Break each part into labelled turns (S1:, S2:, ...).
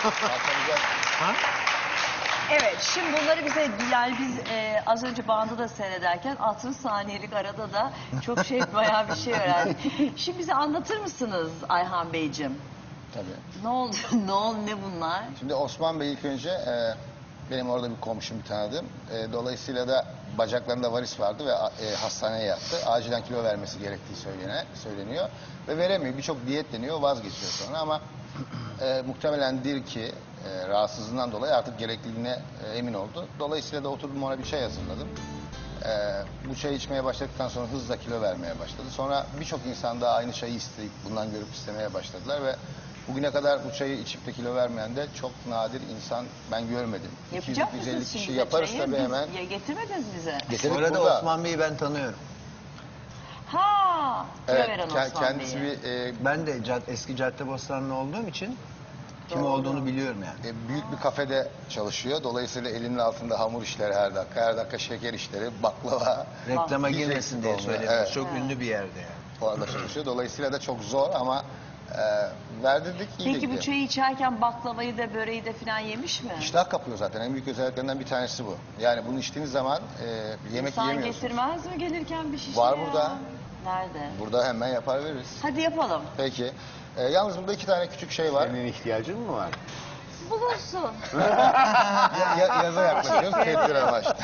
S1: Ha?
S2: Evet, şimdi bunları bize Bilal, biz az önce bandı da seyrederken 60 saniyelik arada da çok bayağı bir şey öğrendik. Şimdi bize anlatır mısınız Ayhan Beyciğim?
S3: Tabii.
S2: Ne oldu, ne bunlar?
S3: Şimdi Osman Bey ilk önce benim orada bir komşum, bir tanıdığım. Dolayısıyla da bacaklarında varis vardı ve hastaneye yattı. Acilen kilo vermesi gerektiği söyleniyor. Ve veremiyor. Birçok diyet deniyor, vazgeçiyor sonra ama muhtemelendir ki rahatsızlığından dolayı artık gerekliliğine emin oldu. Dolayısıyla da oturdum, ona bir çay hazırladım. Bu çayı içmeye başladıktan sonra hızla kilo vermeye başladı. Sonra birçok insan da aynı çayı isteyip bundan görüp istemeye başladılar ve bugüne kadar bu çayı içip de kilo vermeyen de çok nadir insan ben görmedim.
S2: Yapacak
S3: 200-250
S2: mısınız
S3: kişi
S2: şimdi
S3: yaparız
S2: çayı?
S3: tabii hemen.
S2: Ya getirmediniz bize.
S3: Getirdik
S1: Bu arada
S3: burada.
S1: Osman Bey'i ben tanıyorum.
S2: Ha, kilo
S3: Evet,
S2: veren Osman
S3: kendisi
S2: Bey'i.
S1: Ben de eski Caddebostanlı olduğum için kim
S2: Doğru.
S1: olduğunu biliyorum yani.
S3: büyük bir kafede çalışıyor. Dolayısıyla elinin altında hamur işleri her dakika. Her dakika şeker işleri, baklava.
S1: Reklama
S3: Hiç
S1: girmesin
S3: eksik
S1: diye
S3: olmuyor.
S1: söylüyoruz.
S3: Evet.
S1: Çok ünlü bir yerde yani.
S3: Orada çalışıyor. Dolayısıyla da çok zor ama verdirdik, iyi
S2: Peki bu
S3: gidiyor.
S2: çayı içerken baklavayı da böreği de falan yemiş mi?
S3: İştah kapıyor zaten. En büyük özelliklerinden bir tanesi bu. Yani bunu içtiğiniz zaman yemek
S2: İnsan
S3: yiyemiyorsunuz.
S2: getirmez mi gelirken bir şişe
S3: Var
S2: ya?
S3: burada.
S2: Nerede?
S3: Burada hemen yapar veririz.
S2: Hadi yapalım.
S3: Peki. Yalnız burada 2 tane küçük şey var.
S4: Senin ihtiyacın mı var?
S2: Bulunsun.
S3: Yaza yaklaşıyoruz. Tedbir amaçlı.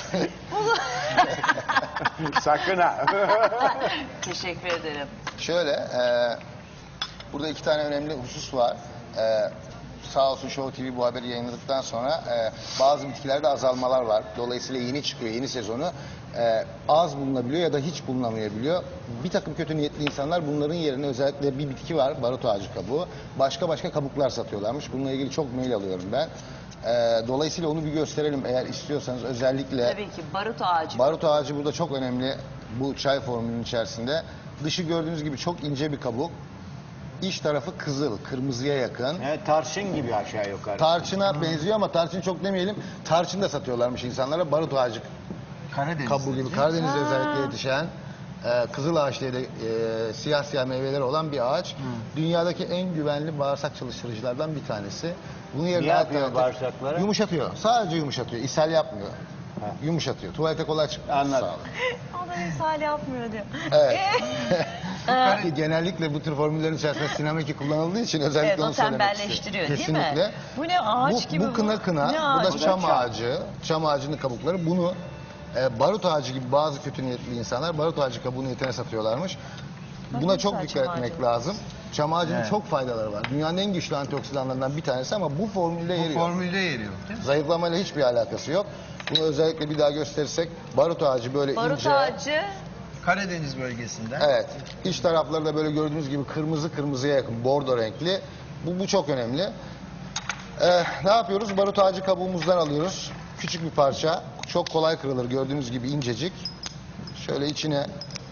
S4: Sakın ha.
S2: Teşekkür ederim.
S3: Şöyle, burada 2 tane önemli husus var. Sağ olsun Show TV bu haberi yayınladıktan sonra bazı bitkilerde azalmalar var. Dolayısıyla yeni çıkıyor, yeni sezonu. Az bulunabiliyor ya da hiç bulunamayabiliyor. Bir takım kötü niyetli insanlar bunların yerine özellikle bir bitki var, barut ağacı kabuğu. Başka kabuklar satıyorlarmış. Bununla ilgili çok mail alıyorum ben. Dolayısıyla onu bir gösterelim eğer istiyorsanız özellikle.
S2: Tabii ki barut ağacı.
S3: Barut ağacı burada çok önemli bu çay formülünün içerisinde. Dışı gördüğünüz gibi çok ince bir kabuk. İç tarafı kızıl, kırmızıya yakın.
S4: Evet, tarçın gibi aşağı yukarı.
S3: Tarçına benziyor ama tarçın çok demeyelim. Tarçın da satıyorlarmış insanlara. Barut ağacı
S1: Karadeniz.
S3: kabuğu gibi Karadeniz'de özellikle yetişen kızıl ağaç diye de siyah meyveleri olan bir ağaç. Dünyadaki en güvenli bağırsak çalıştırıcılardan bir tanesi. Bunu yerine
S4: Ne yapıyor
S3: alternatif-
S4: bağırsaklara?
S3: Yumuşatıyor. Sadece yumuşatıyor. İshal yapmıyor. Yumuşatıyor. Tuvalete kolay çıkıyor.
S4: Anladım.
S3: Sağ olun.
S2: O da misal yapmıyor diyor.
S3: Evet. Genellikle bu tür formüllerin içerisinde sinameki kullanıldığı için özellikle
S2: Evet, o
S3: onu söylemek istiyorum.
S2: tembelleştiriyor değil mi?
S3: Kesinlikle.
S2: Bu ne ağaç gibi
S3: Bu kına,
S2: Ne
S3: bu
S2: ağacı?
S3: da çam ağacı, çam ağacının kabukları. Bunu barut ağacı gibi bazı kötü niyetli insanlar barut ağacı kabuğu niyetine satıyorlarmış. Buna çok
S2: güzel
S3: dikkat
S2: çam
S3: etmek
S2: ağacı.
S3: lazım. Çam ağacının
S1: Evet.
S3: çok faydaları var. Dünyanın en güçlü antioksidanlarından bir tanesi ama bu formülde yeri
S1: Bu
S3: yok.
S1: formülde yeri yok değil mi?
S3: Zayıflamayla hiçbir alakası yok. Bunu özellikle bir daha gösterirsek barut ağacı böyle
S2: Barut
S3: ince.
S2: ağacı.
S1: Karadeniz bölgesinden.
S3: Evet. İç tarafları da böyle gördüğünüz gibi kırmızıya yakın, bordo renkli. Bu çok önemli. Ne yapıyoruz? Barut ağacı kabuğumuzdan alıyoruz. Küçük bir parça. Çok kolay kırılır. Gördüğünüz gibi incecik. Şöyle içine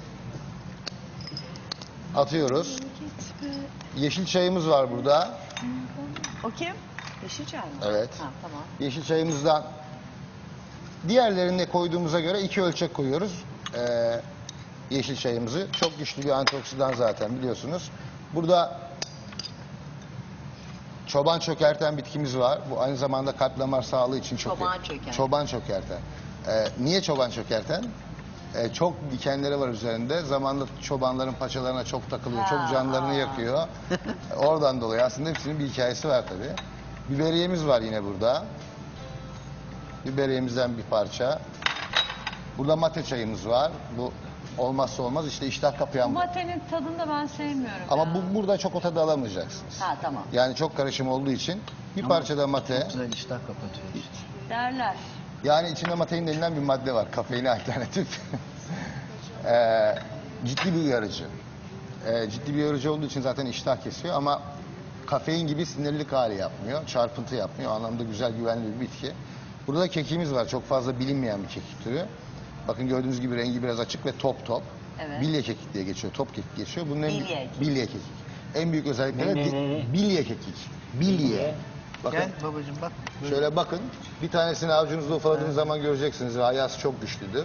S3: atıyoruz. Yeşil çayımız var burada.
S2: O kim? Yeşilçay mı?
S3: Evet.
S2: Ha, tamam.
S3: Yeşil çayımızdan diğerlerine koyduğumuza göre 2 ölçek koyuyoruz. Yeşil çayımızı. Çok güçlü bir antioksidan zaten biliyorsunuz. Burada çoban çökerten bitkimiz var. Bu aynı zamanda kalp damar sağlığı için çok
S2: Çoban çökerten.
S3: Çoban çökerten. Niye çoban çökerten? Çok dikenleri var üzerinde. Zamanla çobanların paçalarına çok takılıyor. Çok canlarını yakıyor. Oradan dolayı aslında hepsinin bir hikayesi var tabii. Biberiyemiz var yine burada. Biberiyemizden bir parça. Burada mate çayımız var. Bu olmazsa olmaz işte iştah kapayan bu.
S2: Matenin tadını da ben sevmiyorum.
S3: Ama
S2: ya.
S3: burada çok o tadı alamayacaksınız.
S2: Ha, tamam.
S3: Yani çok karışım olduğu için bir parça da mate.
S1: Çok güzel iştah kapatıyor işte.
S2: Derler.
S3: Yani içinde matein denilen bir madde var. Kafeine alternatif. Ciddi bir uyarıcı. Ciddi bir uyarıcı olduğu için zaten iştah kesiyor ama kafein gibi sinirlilik hali yapmıyor. Çarpıntı yapmıyor. O anlamda güzel, güvenli bir bitki. Burada da kekiğimiz var. Çok fazla bilinmeyen bir kekik türü. Bakın gördüğünüz gibi rengi biraz açık ve top.
S2: Evet.
S3: Bilye kekik diye geçiyor. Top kekik geçiyor. Bunun
S2: Bilye.
S3: kekik. En büyük özellikleri
S4: Ne?
S3: bilye kekik. Bilye. Bakın.
S1: Gel babacığım bak.
S3: Şöyle bakın. Bir tanesini avucunuzda ufaladığınız zaman göreceksiniz. Ayaz çok güçlüdür.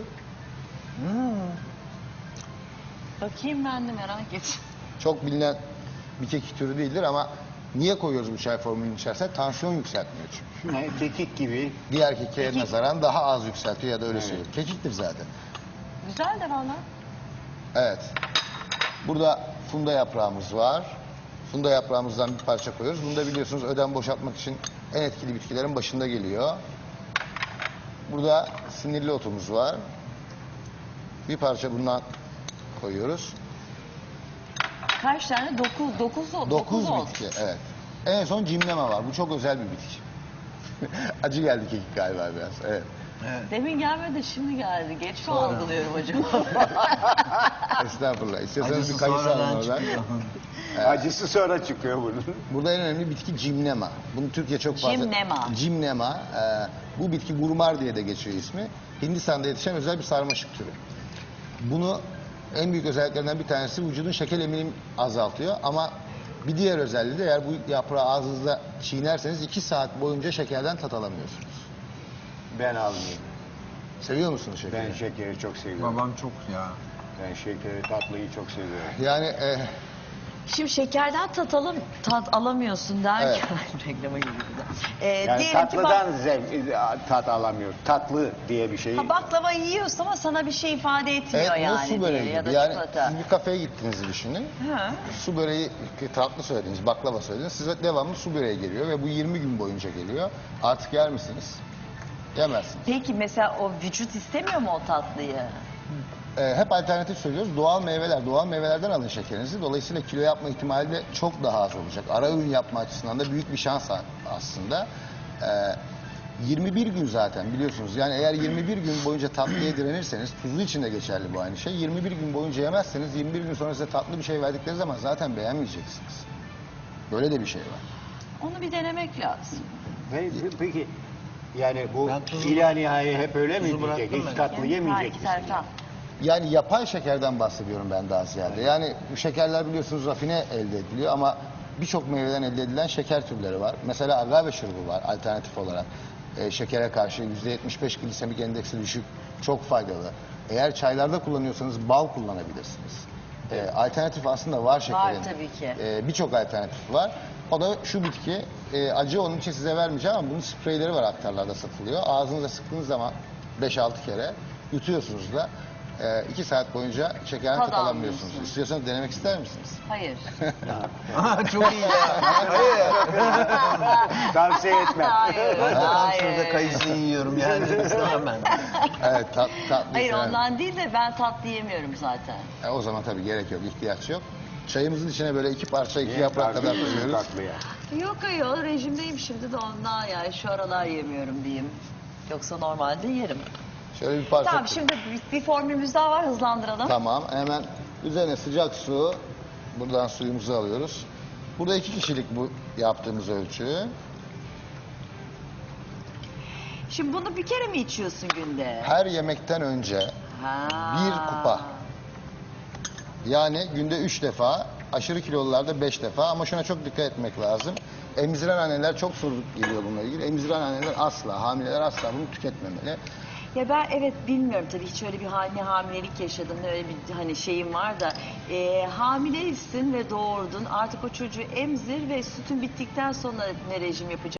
S2: Bakayım ben de merak ettim.
S3: Çok bilinen bir kekik türü değildir ama Niye koyuyoruz bu çay formülünün içerisine? Tansiyon yükseltmiyor çünkü.
S4: Ne, kekik gibi.
S3: Diğer kekiğe
S2: Kekik.
S3: nazaran daha az yükseltiyor ya da öyle
S4: Evet.
S3: söylüyor. Kekiktir zaten.
S2: Güzel de valla.
S3: Evet. Burada funda yaprağımız var. Funda yaprağımızdan bir parça koyuyoruz. Bunu da biliyorsunuz ödem boşaltmak için en etkili bitkilerin başında geliyor. Burada sinirli otumuz var. Bir parça bundan koyuyoruz.
S2: Kaç tane? 9
S3: 9
S2: oldu.
S3: bitki, evet. En son cimneme var. Bu çok özel bir bitki. Acı geldi kekik galiba biraz. Evet.
S1: Evet.
S2: Demin gelmedi, şimdi geldi. Geç mi
S1: Sonra.
S2: algılıyorum acaba?
S3: Estağfurullah. İstiyorsanız
S1: Acısı
S3: bir kayısı alın
S1: sonradan
S3: oradan.
S1: çıkıyor.
S4: Acısı sonra çıkıyor bunun.
S3: Burada en önemli bitki cimnema. Bunu Türkiye çok fazla...
S2: Cimnema.
S3: Cimnema. Bu bitki gurmar diye de geçiyor ismi. Hindistan'da yetişen özel bir sarmaşık türü. Bunu en büyük özelliklerinden bir tanesi vücudun şeker eminim azaltıyor ama bir diğer özelliği de eğer bu yaprağı ağzınızda çiğnerseniz 2 saat boyunca şekerden tat alamıyorsunuz.
S4: Ben almıyorum.
S3: Seviyor musunuz şekeri?
S4: Ben şekeri çok seviyorum.
S1: Babam çok ya.
S4: Ben şekeri, tatlıyı çok seviyorum.
S3: Yani
S2: Şimdi şekerden tat alamıyorsun derken reklama girdi bir de.
S4: Yani
S2: Diyelim ki
S4: tatlıdan tat alamıyor. Tatlı diye bir şey.
S2: baklava yiyorsun ama sana bir şey ifade etmiyor
S3: evet, bu
S2: yani.
S3: su böreği
S2: diye, ya da
S3: gibi. Yani
S2: çikolata.
S3: siz bir kafeye gittiğinizi düşünün.
S2: Hı.
S3: Su böreği, tatlı söylediniz, baklava söylediniz. Size devamlı su böreği geliyor ve bu 20 gün boyunca geliyor. Artık yer misiniz? Yemezsiniz.
S2: Peki mesela o vücut istemiyor mu o tatlıyı?
S3: Hep alternatif söylüyoruz. Doğal meyveler, doğal meyvelerden alın şekerinizi. Dolayısıyla kilo yapma ihtimali de çok daha az olacak. Ara öğün yapma açısından da büyük bir şans aslında. 21 gün zaten biliyorsunuz. Yani eğer 21 gün boyunca tatlıya direnirseniz, tuzlu için de geçerli bu aynı şey. 21 gün boyunca yemezseniz 21 gün sonra size tatlı bir şey verdikleri zaman zaten beğenmeyeceksiniz. Böyle de bir şey var.
S2: Onu bir denemek lazım.
S4: Peki yani bu
S1: Ben tuzu-
S4: ilahi hep öyle mi
S1: tuzu
S4: diyecek?
S1: bıraktım
S4: Hiç
S1: ben.
S4: tatlı yemeyecek
S2: İki
S4: misin?
S2: taraftan.
S3: Yani yapay şekerden bahsediyorum ben daha ziyade. Yani bu şekerler biliyorsunuz rafine elde ediliyor ama birçok meyveden elde edilen şeker türleri var. Mesela agave şurubu var alternatif olarak. Şekere karşı %75 glisemik endeksi düşük, çok faydalı. Eğer çaylarda kullanıyorsanız bal kullanabilirsiniz. Alternatif aslında var şekerin.
S2: Var tabii ki.
S3: Birçok alternatif var. O da şu bitki, acı onun için size vermeyeceğim ama bunun spreyleri var aktarlarda satılıyor. Ağzınıza sıktığınız zaman 5-6 kere yutuyorsunuz da 2 saat boyunca şekerden
S2: Tad
S3: tat alamıyorsunuz.
S2: almıyorsun.
S3: İstiyorsanız denemek ister misiniz?
S2: Hayır.
S1: Çok iyi ya.
S4: Tavsiye etmem.
S2: Hayır.
S1: Ben de tam şurada
S2: Hayır.
S1: kayısı yiyorum yani. İstemem ben.
S3: Evet, tatlı.
S2: Hayır ondan değil de ben tatlı yemiyorum zaten.
S3: O zaman tabii gerek yok, ihtiyaç yok. Çayımızın içine böyle 2 parça, 2 yaprak kadar
S4: Tatlı,
S3: koyuyoruz.
S4: tatlıya.
S2: Yok ayol rejimdeyim şimdi de ondan yani şu aralar yemiyorum diyeyim. Yoksa normalde yerim.
S3: Şöyle bir parça
S2: Tamam
S3: koyuyoruz.
S2: şimdi bir formülümüz daha var hızlandıralım.
S3: Tamam, hemen üzerine sıcak su. Buradan suyumuzu alıyoruz. Burada 2 kişilik bu yaptığımız ölçü.
S2: Şimdi bunu bir kere mi içiyorsun günde?
S3: Her yemekten önce
S2: Ha.
S3: 1 kupa. Yani günde 3 defa, aşırı kilolularda 5 defa ama şuna çok dikkat etmek lazım. Emziren anneler çok soru geliyor bununla ilgili. Emziren anneler asla, hamileler asla bunu tüketmemeli.
S2: Ya ben evet bilmiyorum tabii hiç öyle bir ne hamilelik yaşadım ne öyle bir hani şeyim var da hamileysin ve doğurdun artık o çocuğu emzir ve sütün bittikten sonra ne rejim yapacaksın?